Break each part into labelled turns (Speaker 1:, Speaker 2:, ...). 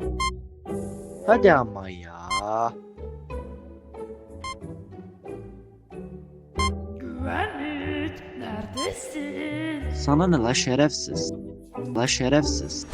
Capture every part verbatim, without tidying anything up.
Speaker 1: Hadi ama ya.
Speaker 2: Güvenlik, neredesin?
Speaker 1: Sana ne la şerefsiz? La şerefsiz.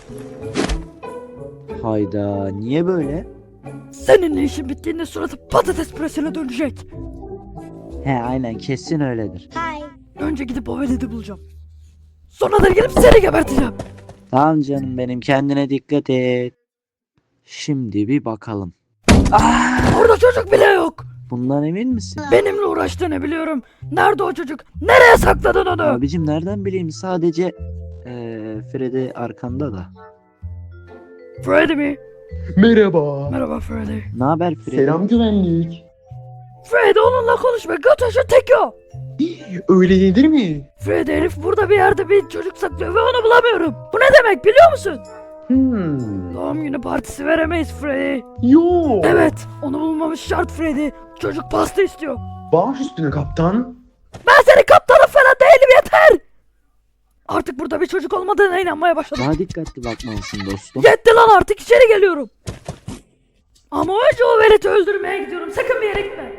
Speaker 1: Hayda, niye böyle?
Speaker 2: Seninle işin bittiğinde suratı patates püresine dönecek.
Speaker 1: He aynen, kesin öyledir.
Speaker 2: Önce gidip o veledi bulacağım. Sonra da gelip seni geberteceğim.
Speaker 1: Tamam canım benim, kendine dikkat et. Şimdi bir bakalım.
Speaker 2: Orada çocuk bile yok.
Speaker 1: Bundan emin misin?
Speaker 2: Benimle uğraştığını biliyorum. Nerede o çocuk? Nereye sakladın onu?
Speaker 1: Abicim nereden bileyim, sadece eee Freddy arkanda da.
Speaker 2: Freddy mi?
Speaker 3: Merhaba.
Speaker 2: Merhaba Freddy.
Speaker 1: Ne haber Freddy?
Speaker 3: Selam güvenlik.
Speaker 2: Freddy onunla konuşma. Götürsün tek o.
Speaker 3: Öyle denir mi?
Speaker 2: Freddy herif burada bir yerde bir çocuk saklıyor ve onu bulamıyorum. Bu ne demek biliyor musun?
Speaker 3: Hmm.
Speaker 2: Doğum günü partisi veremeyiz Freddy.
Speaker 3: Yo.
Speaker 2: Evet, onu bulmamız şart Freddy. Çocuk pasta istiyor.
Speaker 3: Baş üstüne kaptan.
Speaker 2: Ben senin kaptanın falan değilim, yeter. Artık burada bir çocuk olmadığına inanmaya başladım.
Speaker 1: Daha dikkatli bakmalısın dostum.
Speaker 2: Yetti lan, artık içeri geliyorum. Ama önce o veleti öldürmeye gidiyorum. Sakın bir yere gitme.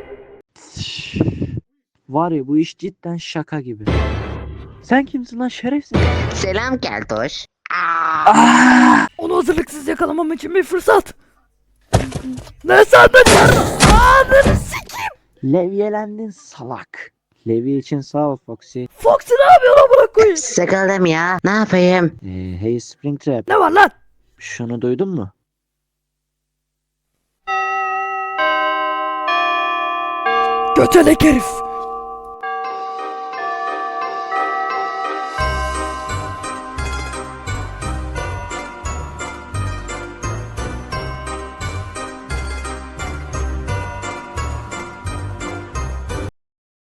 Speaker 1: Var ya, bu iş cidden şaka gibi. Sen kimsin lan şerefsiz?
Speaker 4: Selam Keltoş.
Speaker 2: Onu hazırlıksız yakalamam için bir fırsat. Ne sandın ya? Ananı sikeyim.
Speaker 1: Levyelendin salak. Levye için sağ ol Foxy.
Speaker 2: Foxy ne yapıyor lan, bırak koyayım.
Speaker 4: Sıkıldım ya. Ne yapayım?
Speaker 1: Ee, hey Springtrap,
Speaker 2: Ne var lan?
Speaker 1: şunu duydun mu?
Speaker 2: Götelek herif.